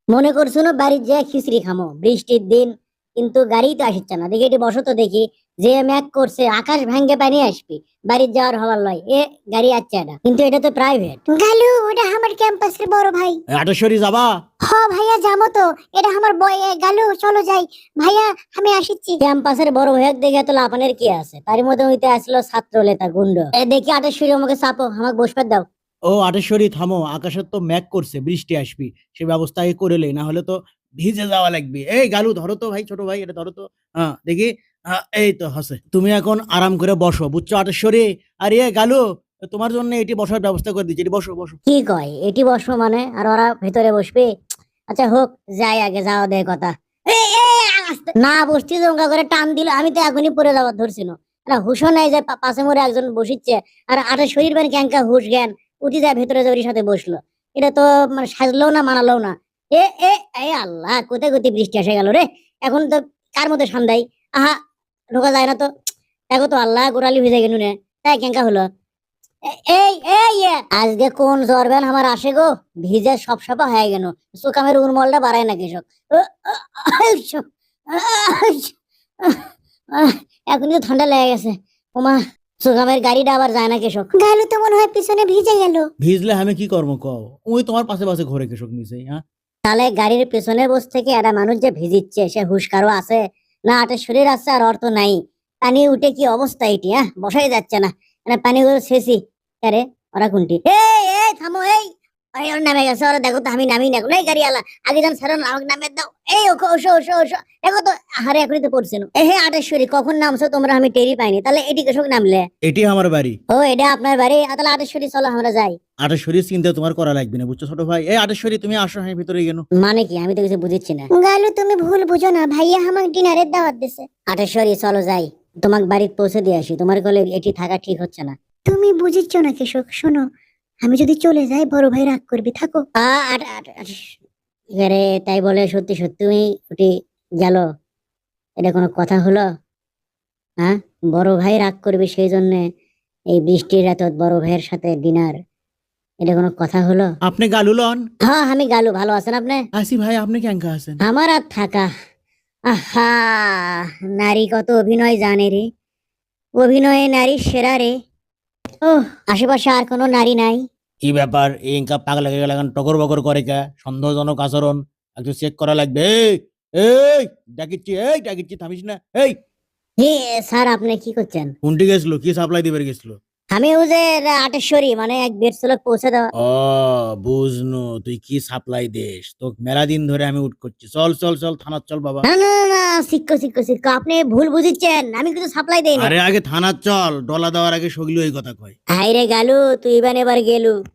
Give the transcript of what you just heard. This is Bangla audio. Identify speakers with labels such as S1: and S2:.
S1: মনে করছো না বাড়ির যে খিচড়ি খামো বৃষ্টির দিন, কিন্তু গাড়ি তো আসছে না। দেখি এটি বসো তো দেখি, যে ম্যাক করছে আকাশ ভাঙ্গে পানি আসবি, বাড়ির যাওয়ার হবার লয় এ গাড়ি আসছে না, কিন্তু এটা তো প্রাইভেট। গালু, ওটা আমার ক্যাম্পাসের বড় ভাই।
S2: আটেশ্বরী যাবা?
S1: হ ভাইয়া, যাবো তো, এটা আমার বয়। গালু চলো যাই ভাইয়া, আমি আসিচ্ছি। ক্যাম্পাসের বড় ভাইয়াক দেখে তো লাপানের কি আছে, তার মধ্যে হইতে আসলো ছাত্র নেতা গুন্ড। দেখি আটেশ্বরী আমাকে চাপো, আমাকে বসবার দাও।
S2: ও আটেশ্বরী থামো, আকাশের তো ম্যাক করছে, বৃষ্টি আসবি, সে ব্যবস্থা আগে করে লে, না হলে তো ভিজে যাওয়া লাগবে। এই গালু ধরো তো ভাই, ছোট ভাই এটা ধরো তো। হ্যাঁ দেখি। এই তো হাসে, তুমি এখন আরাম করে বসো, বুঝছো আটেশ্বরী? আর এ গালু, তোমার জন্য এটি বসার ব্যবস্থা করে দিচ্ছি, এটি বসো বসো।
S1: কি কয় এটি বসবো মানে, আর ওরা ভেতরে বসবে? আচ্ছা হোক, যাই আগে, যাও দে কথা। না বসছি, জঙ্গা করে টান দিল, আমি তো এখনই পড়ে যাওয়ার ধরছিল। না হুশও নাই যে পাশে মোড়ে একজন বসিচ্ছে, আর আটা শরীর মানে ক্যাঙ্কা হুশ জ্ঞান উঠি যায় ভেতরে যে ওর সাথে বসলো। এটা তো মানে সাজলেও না মানালেও না। এ এ এ আল্লাহ, কোথায় কোথায় বৃষ্টি এসে গেল রে। এখন তো কার মধ্যে সন্ধ্যায়, আহা, ঢোকা যায় না তো। দেখো তো আল্লাহ, গোড়ালি ভিজে গেল রে। তাই ক্যাঙ্কা হলো। এই এই আজকে কোন জরবেন আমার আসে গো, ভিজে সব সাপা হয়ে গেল। সুকামের উর্মলটা বাড়ায় না কৃষক। এখনই তো ঠান্ডা লেগে গেছে। ওমা, সুকামের গাড়িটা আবার যায় না কৃষক। গালু তো মনে হয় পিছনে ভিজে গেল।
S2: ভিজলে আমি কি করবো কও? ওই তোমার পাশে পাশে ঘরে কৃষক নিচে। হ্যাঁ
S1: তাহলে গাড়ির পেছনে বসে থেকে একটা মানুষ যে ভিজিচ্ছে, সে হুশকারও আছে না? আটের শরীর আছে আর অর্থ নাই। পানি উঠে কি অবস্থা এটি, হ্যাঁ বসাই যাচ্ছে না। মানে পানিগুলো শেষই। আরে ওরা কোনটি? এই এই থামো, এই ওই ওর নামে গেছে, ওরা দেখো তো, আমি নামি না কোনো গাড়ি আলা। আগে যান স্যার, আমাকে নামে দাও। এই ওকে, ওসো ওসো ওসো, দেখো তো, হারে এখনই তো পড়ছে না। হে আটেশ্বরী, কখন নামছো তোমরা, আমি টেরি পাইনি। তাহলে এটি কৃষক নামলে?
S2: এটি আমার বাড়ি।
S1: ও এটা আপনার বাড়ি? তাহলে আটেশ্বরী চলো আমরা যাই।
S2: আটেশ্বরীর চিন্তা তোমার করা লাগবে না, বুঝছো ছোট ভাই? এই আটেশ্বরী তুমি আসো, হ্যাঁ ভিতরে গেল।
S1: মানে কি, আমি তো কিছু বুঝিচ্ছি না। গালু তুমি ভুল বুঝো না, ভাইয়া আমাকে ডিনারের দাওয়াত দিছে। আটেশ্বরী চলো যাই, তোমাকে বাড়িতে পৌঁছে দিয়ে আসি। তোমার কোলে এটি থাকা ঠিক হচ্ছে না। তুমি বুঝিচ্ছ না কৃষক, শোনো, আমি যদি চলে যাই বড় ভাই রাগ করবি, থাকো। এবারে তাই বলে সত্যি সত্যি তুমি উঠে গেল? এটা কোনো কথা হলো? হ্যাঁ, বড় ভাই রাগ করবে সেই জন্য এই বৃষ্টির রাত বড় ভাইয়ের সাথে ডিনার, এটা কোনো কথা হলো?
S2: আপনি গালু লন?
S1: হ্যাঁ আমি গালু, ভালো আছেন আপনি?
S2: আসি ভাই, আপনি কেঙ্কা আছেন?
S1: আমার আর থাকা। আহা, নারী কত অভিনয় জানে রে, অভিনয়ে নারী সেরা রে। ও, আশেপাশে আর কোনো নারী নাই?
S2: কি ব্যাপার, এই ইনকা পাগলা হয়ে গেল, এখন টকর বকর করে কে? সন্দেহজনক আচরণ, একটু চেক করা লাগবে। এই এই ডাকিচ্ছি থামিস না। এই
S1: হে স্যার, আপনি কি করছেন?
S2: কোনটি গেছিল, কি সাপ্লাই দিবে গেছিল?
S1: আমি ওই যে আটেশ্বরী, মানে এক বেডসলক পৌঁছে দেওয়া।
S2: ও বুঝনু, তুই কি সাপ্লাই দেশ, তো মেলা দিন ধরে আমি উঠ করছি। চল চল চল থানার চল বাবা।
S1: না না না না, শিক্ষো শিক্ষো শিক্ষো, আপনি ভুল বুঝিচ্ছেন, আমি কিছু সাপ্লাই দেই না।
S2: আরে আগে থানার চল, ডলা দেওয়ার আগে সগলি ওই কথা কয়।
S1: হাইরে গালু, তুই এবার গেলু।